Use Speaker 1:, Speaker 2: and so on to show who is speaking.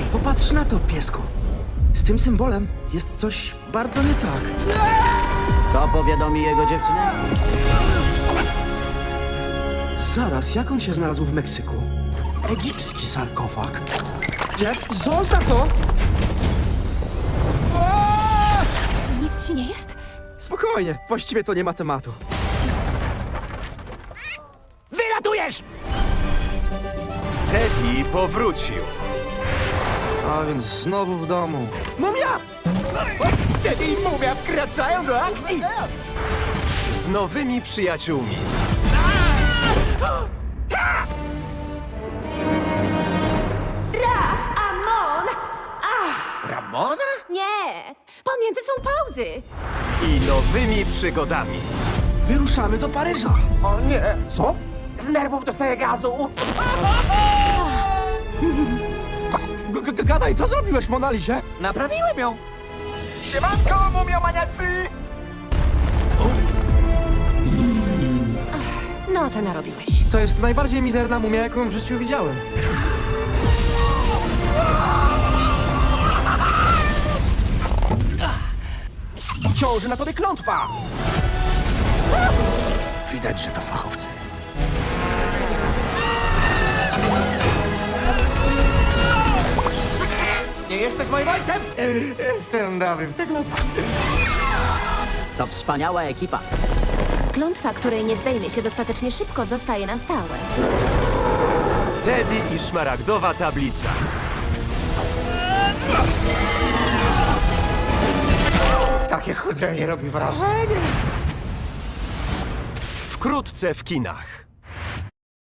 Speaker 1: Popatrz na to, piesku. Z tym symbolem jest coś bardzo nie tak.
Speaker 2: To powiadomi jego dziewczynę?
Speaker 1: Zaraz, jak on się znalazł w Meksyku? Egipski sarkofag. Jeff, zostaw to! Aaa!
Speaker 3: Nic ci nie jest?
Speaker 1: Spokojnie, właściwie to nie ma tematu.
Speaker 2: Wylatujesz!
Speaker 4: Teddy powrócił.
Speaker 1: A więc znowu w domu. Mumia!
Speaker 2: Teddy i Mumia wkraczają do akcji!
Speaker 4: Z nowymi przyjaciółmi.
Speaker 3: Amon!
Speaker 2: Ramona?
Speaker 3: Nie! Pomiędzy są pauzy!
Speaker 4: I nowymi przygodami.
Speaker 1: Wyruszamy do Paryża.
Speaker 2: O nie!
Speaker 1: Co?
Speaker 2: Z nerwów dostaję gazu!
Speaker 1: Gadaj, co zrobiłeś Monalizie?
Speaker 2: Naprawiłem ją!
Speaker 4: Siemanko, mumiomaniacy!
Speaker 3: No, to narobiłeś.
Speaker 1: To jest najbardziej mizerna mumia, jaką w życiu widziałem. Ciąży na tobie klątwa! Widać, że to fachowcy.
Speaker 2: Nie jesteś moim ojcem? Jestem dobrym w tego. To wspaniała ekipa.
Speaker 3: Klątwa, której nie zdejmie się dostatecznie szybko, zostaje na stałe.
Speaker 4: Teddy i szmaragdowa tablica.
Speaker 2: Takie chodzenie robi wrażenie.
Speaker 4: Wkrótce w kinach.